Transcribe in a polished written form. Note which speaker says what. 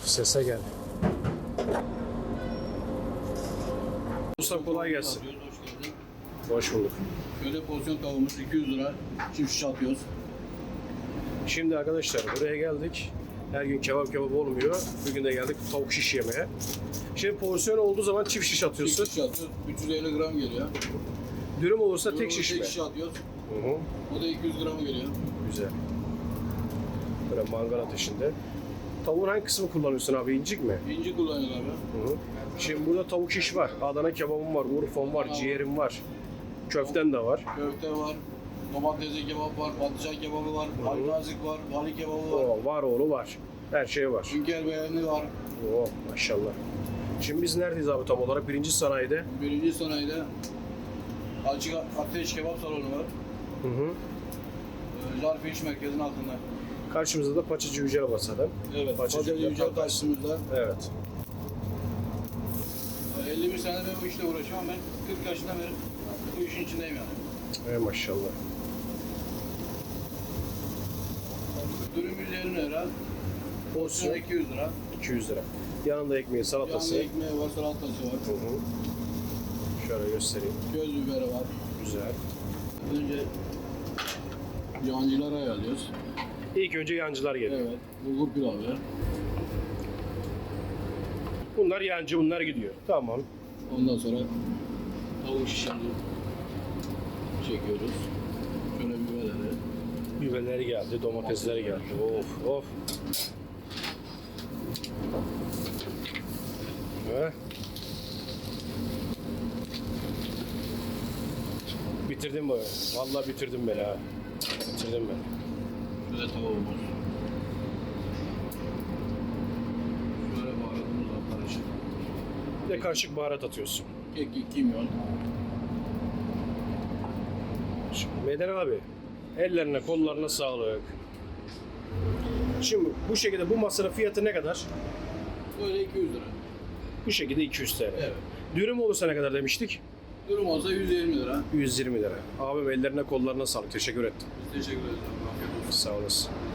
Speaker 1: Sese gel. Usta kolay gelsin.
Speaker 2: Hoş geldin.
Speaker 1: Hoş bulduk.
Speaker 2: Şöyle porsiyon tavuğumuz 200 lira. Çift şiş atıyoruz.
Speaker 1: Şimdi arkadaşlar buraya geldik. Her gün kebap olmuyor. Bugün de geldik tavuk şiş yemeye. Şimdi porsiyon olduğu zaman çift şiş atıyorsun.
Speaker 2: Çift şiş atıyoruz. 350 gram geliyor.
Speaker 1: Dürüm olursa tek
Speaker 2: Tek
Speaker 1: şiş mi?
Speaker 2: Tek şiş atıyoruz.
Speaker 1: Hı hı.
Speaker 2: O da 200 gram geliyor.
Speaker 1: Güzel. Böyle mangal ateşinde. Tavuğun hangi kısmı kullanıyorsun abi? İncik mi?
Speaker 2: İnci kullanıyorlar abi.
Speaker 1: Hı hı. Şimdi burada tavuk şiş var. Adana kebabım var, Urfa'm var, ciğerim var. Köften de var.
Speaker 2: Köfte var. Domatesli kebap var. Patlıcan kebabı var. Ali nazik var. Vali kebabı var.
Speaker 1: Oo, var oğlu var. Her şey var.
Speaker 2: Hünkar beğeni var.
Speaker 1: Oo, maşallah. Şimdi biz neredeyiz abi tam olarak? Birinci sanayide.
Speaker 2: Birinci sanayide açık ateş kebap salonu var.
Speaker 1: Hı hı.
Speaker 2: Zarf İş Merkezi'nin altında.
Speaker 1: Karşımızda da Paçacı Yücel Basa'dan.
Speaker 2: Evet.
Speaker 1: Paçacı
Speaker 2: Paçacı Yücel karşımızda.
Speaker 1: Evet.
Speaker 2: 51 senedir bu işle uğraşıyorum. Ben 40 yaşından beri bu işin içindeyim yani.
Speaker 1: Ey maşallah.
Speaker 2: Dürüm 150 lira. Porsiyon 200 lira.
Speaker 1: 200 lira. Yanında ekmeği, salatası.
Speaker 2: Yanında ekmeği var, salatası var.
Speaker 1: Hı hı. Şöyle göstereyim.
Speaker 2: Göz biberi var.
Speaker 1: Güzel.
Speaker 2: Önce yancıları ayarlıyoruz.
Speaker 1: İlk önce yancılar geliyor.
Speaker 2: Evet. Bulgur pilavı.
Speaker 1: Bunlar yancı, bunlar gidiyor. Tamam.
Speaker 2: Ondan sonra tavuk şişini çekiyoruz. Şöyle biberleri.
Speaker 1: Biberleri geldi, domatesleri geldi. Of of. He. Bitirdim beni. Vallahi bitirdim beni ha. Bitirdim beni.
Speaker 2: Şöyle tavuğumuz. Şöyle baharatımız var karışık.
Speaker 1: Bir de karışık baharat atıyorsun.
Speaker 2: Kekik, kimyon.
Speaker 1: Şimdi Meden abi, ellerine kollarına sağlık. Şimdi bu şekilde bu masanın fiyatı ne kadar?
Speaker 2: Böyle 200 lira.
Speaker 1: Bu şekilde 200 TL.
Speaker 2: Evet.
Speaker 1: Dürüm olursa ne kadar demiştik?
Speaker 2: Durum olsa 120 lira.
Speaker 1: 120 lira. Abim ellerine kollarına sağlık. Teşekkür ettim.
Speaker 2: Teşekkür ederim. Afiyet olsun.
Speaker 1: Sağ olasın.